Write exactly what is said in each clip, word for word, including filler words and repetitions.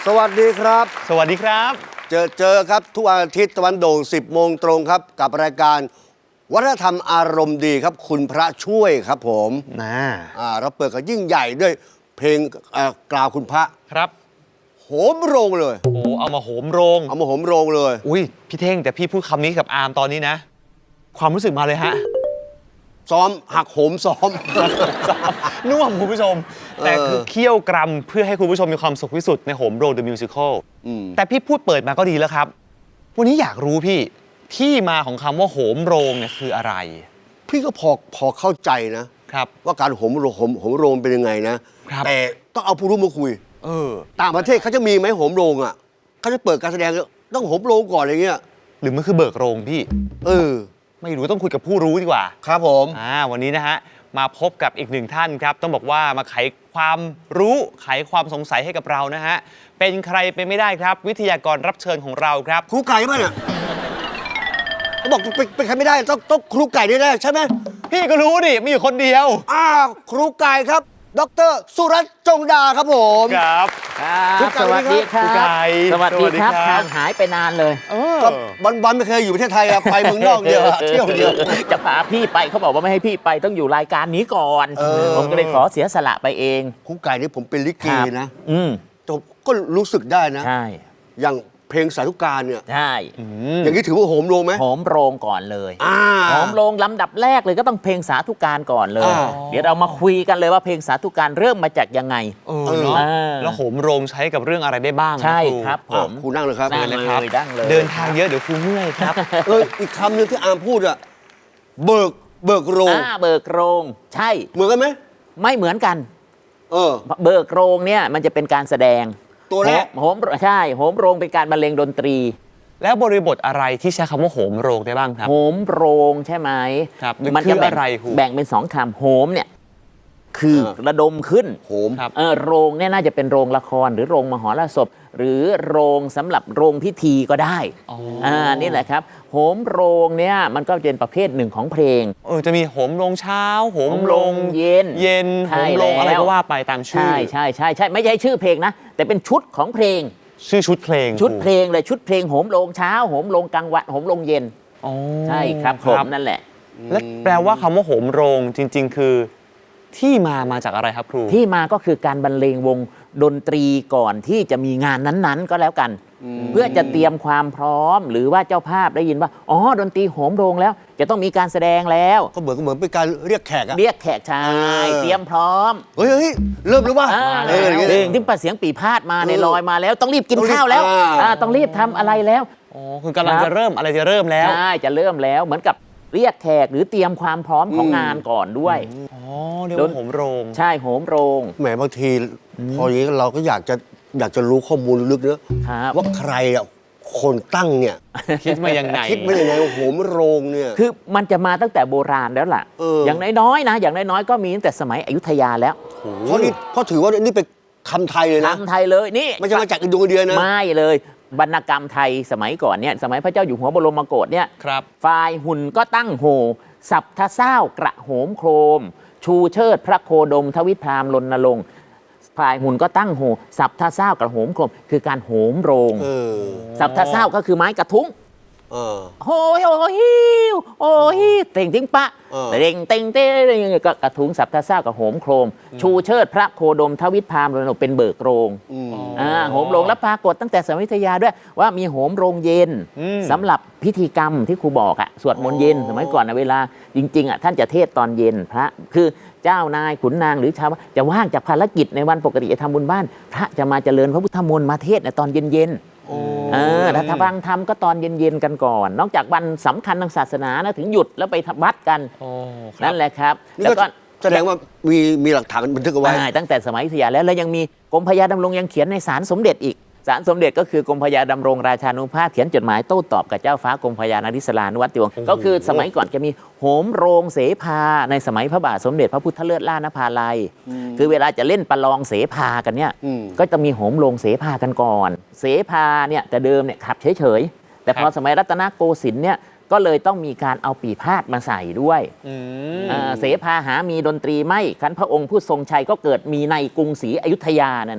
สวัสดีครับสวัสดีครับเจอเจอครับทุกวันอาทิตย์ตะวันโด่งสิบโมงตรงครับกับรายการวัฒนธรรมอารมณ์ดีครับคุณพระช่วยครับผมนะอ่าเราเปิดกันยิ่งใหญ่ด้วยเพลงกล่าวคุณพระครับโหมโรงเลยโอ้เอามาโหมโรงเอามาโหมโรงเลยอุ้ยพี่เท่งแต่พี่พูดคำนี้กับอาร์มตอนนี้นะความรู้สึกมาเลยฮะซ้อมหักโหมซ้อมน่วมคุณผู้ชมแต่คือเคี่ยวกรำเพื่อให้คุณผู้ชมมีความสุขที่สุดในโหมโรง The Musical แต่พี่พูดเปิดมาก็ดีแล้วครับวันนี้อยากรู้พี่ที่มาของคำว่าโหมโรงเนี่ยคืออะไรพี่ก็พอพอเข้าใจนะครับว่าการโหมโรงโหมโหมโรงเป็นยังไงนะแต่ต้องเอาผู้รู้มาคุยเออต่างประเทศเขาจะมีไหมโหมโรงอ่ะเขาจะเปิดการแสดงต้องโหมโรงก่อนอะไรเงี้ยหรือมันคือเบิกโรงพี่เออไม่รู้ต้องคุยกับผู้รู้ดีกว่าครับผมอ่าวันนี้นะฮะมาพบกับอีกหนึ่งท่านครับต้องบอกว่ามาไขความรู้ไขความสงสัยให้กับเรานะฮะเป็นใครไปไม่ได้ครับวิทยากรรับเชิญของเราครับครูไก่ไหมเนี่ยเขาบอกเป็นเป็นใครไม่ได้ต้องต้องครูไก่แน่ๆใช่ไหมพี่ก็รู้ดิมีอยู่คนเดียวอ้าวครูไก่ครับดร.สุรัตน์จงดาครับผมครับครับสวัสดีครับสวัสดีครับห่างหายไปนานเลยก็วันวันไม่เคยอยู่ประเทศไทยอะไปเมืองนอกเดียวเที่ยวเดียวจะพาพี่ไปเขาบอกว่าไม่ให้พี่ไปต้องอยู่รายการนี้ก่อนผมก็เลยขอเสียสละไปเองครูไก่นี่ผมเป็นลิเกนะอืมก็รู้สึกได้นะใช่อย่างเพลงสาธุการเนี่ยใช่อย่างนี้ถือว่าโหมโรงไหมโหมโรงก่อนเลยโหมโรงลำดับแรกเลยก็ต้องเพลงสาธุการก่อนเลยเดี๋ยวเรามาคุยกันเลยว่าเพลงสาธุการเริ่มมาจากยังไงเออเนาะแล้วโหมโรงใช้กับเรื่องอะไรได้บ้างใช่ครับผมครูนั่งเลยครับนั่งเลยนั่งเลยเดินทางเยอะเดี๋ยวครูเมื่อยครับเอออีกคำหนึ่งที่อาร์มพูดอะเบิกเบิกโรงเบิกโรงใช่เหมือนกันไหมไม่เหมือนกันเออเบิกโรงเนี่ยมันจะเป็นการแสดงตัวแรกโหมใช่โหมโรงเป็นการบรรเลงดนตรีแล้วบริบทอะไรที่ใช้คำว่าโหมโรงได้บ้างครับโหมโรงใช่ไหมครับมันจะแบ่งแบ่งเป็นสองคำโหมเนี่ยคือระดมขึ้นโหมเออโรงเนี่ยน่าจะเป็นโรงละครหรือโรงมหรสพหรือโรงสำหรับโรงพิธีก็ได้อ่านี่แหละครับโหมโรงเนี่ยมันก็เป็นประเภทหนึ่งของเพลงเออจะมีโหมโรงเช้าโหมโรงเย็นเย็นโหมโรงอะไรก็ว่าไปตามชื่อใช่ใช่ใช่ใช่ไม่ใช่ชื่อเพลงนะแต่เป็นชุดของเพลงชื่อชุดเพลงชุดเพลงเลยชุดเพลงโหมโรงเช้าโหมโรงกลางวันโหมโรงเย็นใช่ครับผมนั่นแหละและแปลว่าคำว่าโหมโรงจริงๆคือที่มามาจากอะไรครับครูที่มาก็คือการบรรเลงวงดนตรีก่อนที่จะมีงานนั้นๆก็แล้วกันเพื่อจะเตรียมความพร้อมหรือว่าเจ้าภาพได้ยินว่าอ๋อดนตรีโหมโรงแล้วจะต้องมีการแสดงแล้วก็เหมือนเหมือนเป็นการเรียกแขกอะเรียกแขกชายเตรียมพร้อมเฮ้ยเริ่มแล้วว่าเออเพลงที่ประเสียงปีพาดมาในลอยมาแล้วต้องรีบกินข้าวแล้วต้องรีบทำอะไรแล้วอ๋อคือกำลังจะเริ่มอะไรจะเริ่มแล้วใช่จะเริ่มแล้วเหมือนกับเรียกแขกหรือเตรียมความพร้อมของงานก่อนด้วยอ๋อเรียกว่าโหมโรงใช่โหมโรงแหมบางทีพออย่างนี้เราก็อยากจะอยากจะรู้ข้อมูลลึกๆเนอะว่าใครอ่ะคนตั้งเนี่ยคิดมายังไงคิดมายังไงโหมโรงเนี่ยคือมันจะมาตั้งแต่โบราณแล้วล่ะอย่างน้อยๆนะอย่างน้อยๆก็มีตั้งแต่สมัยอยุธยาแล้วเพราะนี่เพราะถือว่านี่เป็นคำไทยเลยนะคำไทยเลยนี่ไม่ใช่มาจากอินโดนีเซียนะไม่เลยวรรณกรรมไทยสมัยก่อนเนี่ยสมัยพระเจ้าอยู่หัวบรมโกศเนี่ยฝ่ายหุ่นก็ตั้งโหสับทะเศร้ากระโหมโครมชูเชิดพระโคดมทวิพรามรณรงค์ฝ่ายหุ่นก็ตั้งโหสับทะเศร้ากระโหมโครมคือการโหมโรงสับทะเศร้าก็คือไม้กระทุ้งโอ้ยโอ้ยโอ้ยเต่งทิ้งปะเต่งเต่งเต่งก็กระทุ้งสับทะเศร้ากับโหมโครมชูเชิดพระโคดมทวิพรามรณรงค์เป็นเบิกโรงอ่าโหมโรงแล้วปรากฏตั้งแต่สมัยอยุธยาด้วยว่ามีโหมโรงเย็นสำหรับพิธีกรรมที่ครูบอกอะสวดมนต์เย็นสมัยก่อนนะเวลาจริงๆอะท่านจะเทศตอนเย็นพระคือเจ้านายขุนนางหรือชาวจะว่างจากภารกิจในวันปกติจะทำบุญบ้านพระจะมาเจริญพระพุทธมนต์มาเทศในตอนเย็นๆเออถ้าฟังธรรมก็ตอนเย็นๆกันก่อนนอกจากวันสำคัญทางศาสนานะถึงหยุดแล้วไปวัดกันนั่นแหละครับแล้วก็แสดงว่ามีมีหลักฐานบันทึกเอาไว้ตั้งแต่สมัยอยุธยาแล้วแล้วยังมีกรมพระยาดำรงยังเขียนในศาลสมเด็จอีกศาลสมเด็จก็คือกรมพระยาดำรงราชานุภาพเขียนจดหมายโต้ตอบกับเจ้าฟ้ากรมพระยานริศรานุวัติวงศ์ก็คือสมัยก่อนจะมีโหมโรงเสภาในสมัยพระบาทสมเด็จพระพุทธเลิศล่านภาลัยคือเวลาจะเล่นประลองเสภากันเนี่ยก็จะมีโหมโรงเสภากันก่อนเสภาเนี่ยแต่เดิมเนี่ยขับเฉยๆแต่พอสมัยรัตนโกสินทร์เนี่ยก็เลยต้องมีการเอาปีพาดมาใส่ด้วยเสภาหามีดนตรีไม่คันพระองค์ผู้ทรงชัยก็เกิดมีในกรุงศรีอยุธยานั่นน่ะ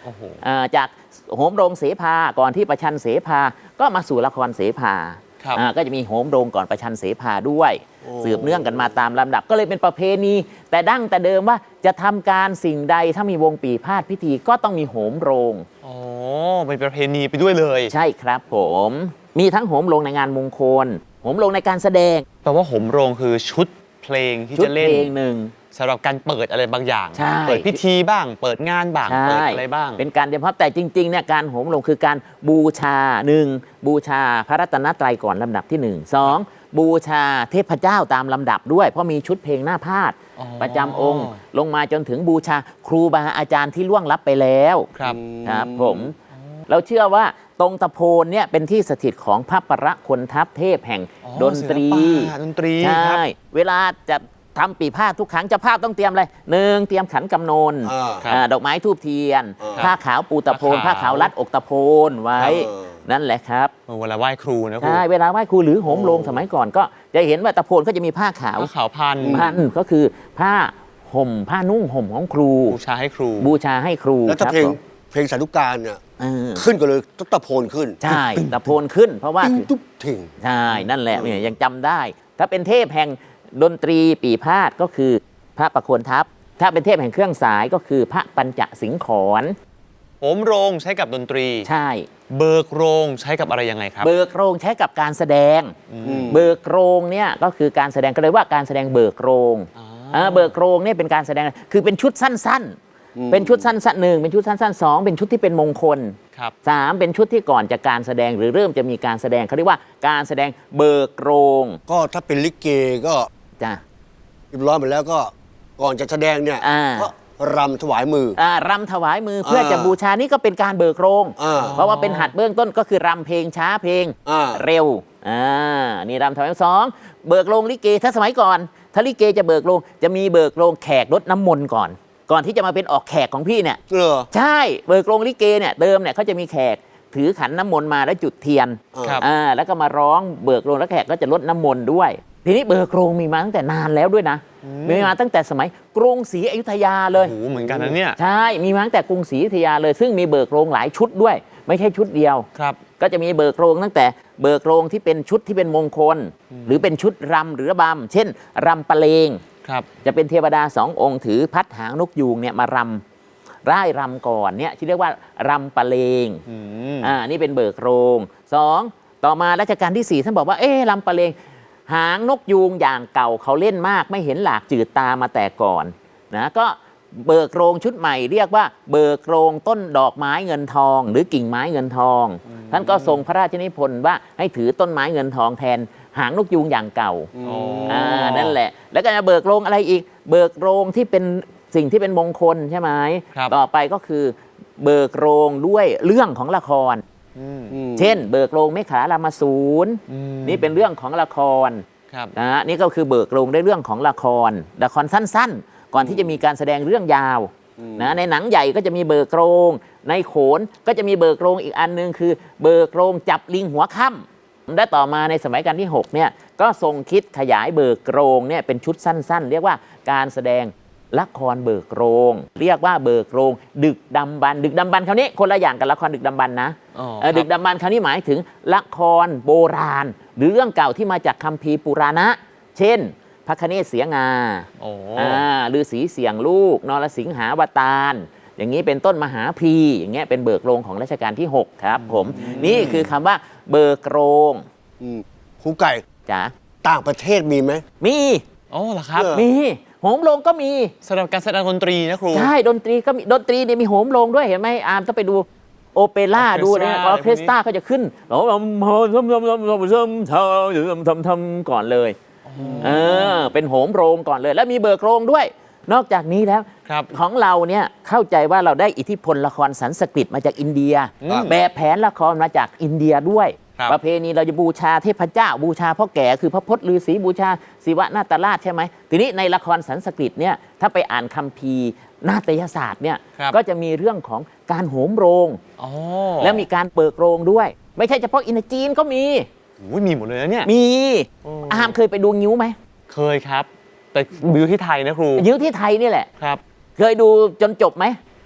โอ้โหอ่าจากโหมโรงเสภาก่อนที่ประชันเสภาก็มาสู่ละครเสภาครับอ่าก็จะมีโหมโรงก่อนประชันเสภาด้วยสืบเนื่องกันมาตามลำดับก็เลยเป็นประเพณีแต่ดั้งแต่เดิมว่าจะทำการสิ่งใดถ้ามีวงปีพาดพิธีก็ต้องมีโหมโรงอ๋อเป็นประเพณีไปด้วยเลยใช่ครับผมมีทั้งโหมโรงในงานมงคลโหมโรงในการแสดงแปลว่าโหมโรงคือชุดเพลงที่ชุดจะเพเล่นลงหนึ่งสำหรับการเปิดอะไรบางอย่างใช่เปิดพิธีบ้าง เปิดงานบ้างใช่เปิดอะไรบ้างเป็นการเฉพาะแต่จริงๆเนี่ยการโหมโรงคือการบูชาหนึ่งบูชาพระรัตนตรัยก่อนลำดับที่หนึ่งสองบูชาเทพเจ้าตามลำดับด้วย เพราะมีชุดเพลงหน้าพาดอ๋อประจำองค์ ลงมาจนถึงบูชาครูบาอาจารย์ที่ล่วงลับไปแล้วครับครับผมเราเชื่อว่าตรงตะโพนเนี่ยเป็นที่สถิตของพระประคนทัพเทพแห่งอ๋อดนตรีศิลปะดนตรีใช่ครับเวลาจะทำปีพาดทุกครั้งเจะภาพต้องเตรียมอะไรหนึ่งเตรียมขันกำนนอ่าครับอ่าดอกไม้ทูบเทียนอ่าผ้าขาวปูตะโพนผ้าผ้าขาวขาวรัดอกตะโพนไว้เออนั่นแหละครับเวลาไหว้ครูนะครูใช่เวลาไหว้ครูหรือโหมโรงสมัยก่อนก็จะเห็นว่าตะโพนก็จะมีผ้าขาวผ้าขาวพันพันก็คือผ้าห่มผ้านุ่งห่มของครูบูชาให้ครูบูชาให้ครูแล้วถ้าครับเพลงผมเพลงสาธุการเนี่ยเออขึ้นก็เลยตะโพนขึ้นใช่ตะโพนขึ้น เพราะว่าติ้งตุ๊บทิ้งใช่ นั่นแหละเนี่ยยังจำได้ ถ้าเป็นเทพแห่งดนตรีปีพาดก็คือพระประโคนทัพ ถ้าเป็นเทพแห่งเครื่องสายก็คือพระปัญจสิงขรโหมโรงใช้กับดนตรีใช่เบิกโรงใช้กับอะไรยังไงครับเบิกโรงใช้กับการแสดง เบิกโรงเนี่ยก็คือการแสดงก็เลยว่าการแสดงเบิกโรงอ๋อเออเบิกโรงเนี่ยเป็นการแสดงคือเป็นชุดสั้นๆ เป็นชุดสั้นๆหนึ่งเป็นชุดสั้นๆสองเป็นชุดที่เป็นมงคลครับสามเป็นชุดที่ก่อนจากการแสดงหรือเริ่มจะมีการแสดงเขาเรียกว่าการแสดงเบิกโรงก็ถ้าเป็นลิเกก็จ้ะเรียบร้อยหมดแล้วก็ก่อนจะแสดงเนี่ยอ่าก็รำถวายมืออ่ารำถวายมือเพื่อจะอ่าบูชานี่ก็เป็นการเบิกโรงอ่าเพราะว่าเป็นหัดเบื้องต้นก็คือรำเพลงช้าเพลงอ่าเร็วอ่านี่รำถวายสองเบิกโรงลิเกถ้าสมัยก่อน ถ้าลิเกจะเบิกโรงจะมีเบิกโรงแขกรดน้ำมนต์ก่อน ก่อนที่จะมาเป็นออกแขกของพี่เนี่ยเหรอใช่เบิกโรงลิเกเนี่ยเดิมเนี่ยเขาจะมีแขกถือขันน้ำมนต์มาแล้วจุดเทียนครับอ่าแล้วก็มาร้องเบิกโรงแล้วแขกก็จะลดน้ำมนต์ด้วย ทีนี้เบิกโรงมีมาตั้งแต่นานแล้วด้วยนะมีมาตั้งแต่สมัยกรุงศรีอยุธยาเลยโอ้โหเหมือนกันนะเนี่ยใช่ มีมาตั้งแต่กรุงศรีอยุธยาเลย ซึ่งมีเบิกโรงหลายชุดด้วย ไม่ใช่ชุดเดียวครับก็จะมีเบิกโรงตั้งแต่เบิกโรงที่เป็นชุดที่เป็นมงคล หรือเป็นชุดรำหรือระบำเช่นรำปะเลงครับจะเป็นเทวดาสององค์ถือพัดหางนกยูงเนี่ยมารำร่ายรำก่อนเนี่ยที่เรียกว่ารำปะเลงอืมอ่านี่เป็นเบิกโรงสองต่อมารัชกาลที่สี่ท่านบอกว่าเอ๊ะรำปะเลง หางนกยูงอย่างเก่าเขาเล่นมากไม่เห็นหลากจืดตามาแต่ก่อนนะก็เบิกโรงชุดใหม่เรียกว่าเบิกโรงต้นดอกไม้เงินทอง หรือกิ่งไม้เงินทอง ท่านก็ทรงพระราชนิพนธ์ว่าให้ถือต้นไม้เงินทองแทนหางนกยูงอย่างเก่าอ๋ออ่านั่นแหละ แล้วก็จะเบิกโรงอะไรอีก เบิกโรงที่เป็นสิ่งที่เป็นมงคลใช่ไหมครับต่อไปก็คือเบิกโรงด้วยเรื่องของละครอืมอืมเช่น เบิกโรงเมขลารามาสูรอืมนี่เป็นเรื่องของละครครับนะฮะนี่ก็คือเบิกโรงได้เรื่องของละครละครสั้นๆ ก่อนที่จะมีการแสดงเรื่องยาวนะในหนังใหญ่ก็จะมีเบิกโรง ในโขนก็จะมีเบิกโรงอีกอันหนึงคือ เบิกโรงจับลิงหัวค่ำและต่อมาในสมัยการที่หกเนี่ยก็ทรงคิดขยายเบิกโรงเนี่ยเป็นชุดสั้นๆ เรียกว่าการแสดงละครเบิกโรง เรียกว่าเบิกโรง ดึกดำบรรพ์ดึกดำบรรพ์คราวนี้คนละอย่างกับละครดึกดำบรรพ์นะอ๋อเอ่อครับดึกดำบรรพ์คราวนี้หมายถึงละครโบราณ หรือเรื่องเก่าที่มาจากคัมภีร์ปุราณะ เช่น พระคเนศเสียงาโอ้อ่าฤาษีเสียงลูกนรสิงหาวตารอย่างนี้เป็นต้นมหาพรีอย่างเงี้ยเป็นเบิกโรงของรัชกาลที่หกครับผมนี่คือคำว่าเบิกโรงอืมครูไก่จ้ะต่างประเทศมีไหมมีโอ้เหรอครับเออมีโหมโรงก็มีสำหรับการแสดงดนตรีนะครูใช่ดนตรีก็มีดนตรีเนี่ยมีโหมโรงด้วยเห็นไหมอาร์มต้องไปดูโอเปร่าออเคดูสตราเนี่ยออะไรอเคสตราก็จะขึ้นแล้วทำทำทำทำทำทำทำทำทำก่อนเลยเออเป็นโหมโรงก่อนเลย แล้วมีเบิกโรงด้วย นอกจากนี้แล้วครับของเราเนี่ยเข้าใจว่าเราได้อิทธิพลละครสันสกฤตมาจากอินเดียอืมแบบแผนละครมาจากอินเดียด้วยครับประเพณีเราจะบูชาเทพเจ้าบูชาพ่อแก่คือพระพจน์ฤาษีบูชาศิวะนาตราชใช่ไหมทีนี้ในละครสันสกฤตเนี่ยถ้าไปอ่านคัมภีร์นาฏยศาสตร์เนี่ยครับก็จะมีเรื่องของการโหมโรงอ๋อแล้วมีการเปิดโรงด้วย ไม่ใช่เฉพาะอินเดียจีนก็มีโอ้ยมีหมดเลยนะเนี่ยมีโอ้อามเคยไปดูงิ้วไหมเคยครับ แต่บิวที่ไทยนะครูงิ้วที่ไทยนี่แหละครับเคยดูจนจบไหม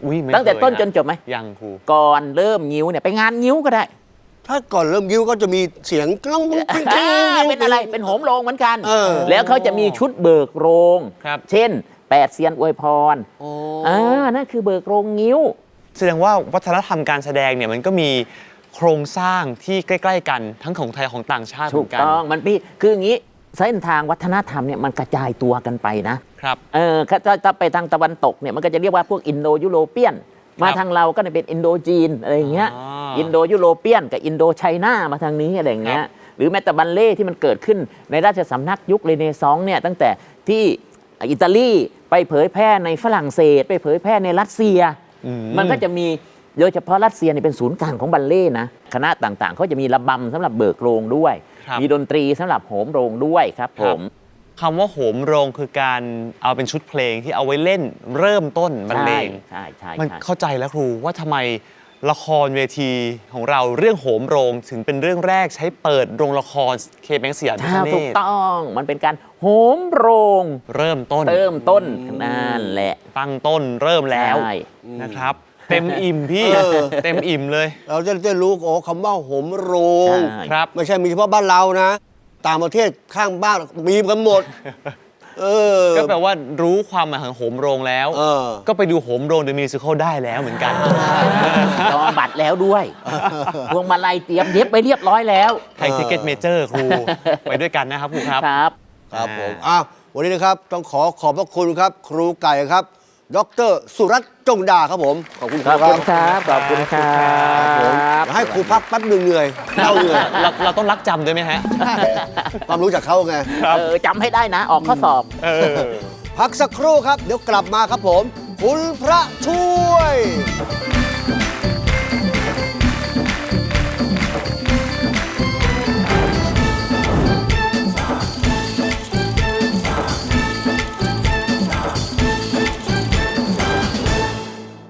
อุ้ยไม่ตั้งแต่เคยต้นนะจนจบไหมยังครูก่อนเริ่มงิ้วเนี่ยไปงานงิ้วก็ได้ถ้าก่อนเริ่มยิ้วก็จะมีเสียงกล้องปิ้งปิ้งอ่าเป็นอะไรเป็นโหมโรงเหมือนกันเออแล้วเขาจะมีชุดเบิกโรงครับเช่นแปดเซียนอวยพรโอ้อ่านั่นคือเบิกโรงงิ้วแสดงว่าวัฒนธรรมการแสดงเนี่ยมันก็มีโครงสร้างที่ใกล้ ๆ กันทั้งของไทยของต่างชาติเหถูมืกอนกันต้องมันพี่คืออย่างนี้เส้นทางวัฒนธรรมเนี่ยมันกระจายตัวกันไปนะครับ เออถ้าถ้าถ้าไปทางตะวันตกเนี่ยมันก็จะเรียกว่าพวกอินโดยุโรเปียน มาทางเราก็จะเป็นอินโดจีนอะไรอย่างเงี้ยอ๋ออินโดยุโรเปียนกับอินโดไชน่ามาทางนี้อะไรอย่างเงี้ยหรือแม้แต่บัลเล่ที่มันเกิดขึ้นในราชสำนักยุคเรเนซองส์เนี่ยตั้งแต่ที่อิตาลีไปเผยแพร่ในฝรั่งเศส ไปเผยแพร่ในรัสเซียอืมมันก็จะมีโดยเฉพาะรัสเซียเนี่ยเป็นศูนย์กลางของบัลเล่ต์นะคณะต่างๆเขาจะมีระบำสำหรับเบิกโรงด้วยครับมีดนตรีสำหรับโหมโรงด้วยครับผมคำว่าโหมโรงคือการเอาเป็นชุดเพลงที่เอาไว้เล่นเริ่มต้นบรรเลงใช่ใช่มันใช่เข้าใจแล้วครูว่าทำไมละครเวทีของเราเรื่องโหมโรงถึงเป็นเรื่องแรกใช้เปิดโรงละครเคแบงค์สยามพิใช่ฆเนถูกศต้องมันเป็นการโหมโรงเริ่มต้นเริ่มต้นนั่นแหละตั้งต้นเริ่มแล้วใช่นะครับ เต็มอิ่มพี่เออเต็มอิ่มเลยเราจะได้รู้โอ้คำว่าโหมโรงใช่ครับไม่ใช่มีเฉพาะบ้านเรานะ ต่างประเทศข้างบ้านมีกันหมด เออก็แปลว่ารู้ความหมายของโหมโรงแล้วเออก็ไปดูโหมโรงเดอะมิวสิคลได้แล้วเหมือนกันจองบัตรแล้วด้วยพวงมาลัยเตรียมเย็บไปเรียบร้อยแล้วไทยทิเก็ตเมเจอร์ครู ไปด้วยกันนะครับครูครับครับครับผมอ่าอ้าววันนี้นะครับ ต้องขอขอบพระคุณครับ ครูไก่ครับ ดรสุรัตน์จงดาครับผม ขอบคุณคขรูอบครัคุบณครับขอบคุณครัครับผมบเดี๋ยวให้ครูพักแป๊บหนึ่งเหนื่อยเราเหนื่อยเราเราต้องรักจำด้วยไหมฮะความรู้จากเขาไงเออจำให้ได้นะ ออกข้อสอบเออพักสักครู่ครับ เดี๋ยวกลับมาครับผม คุณพระช่วย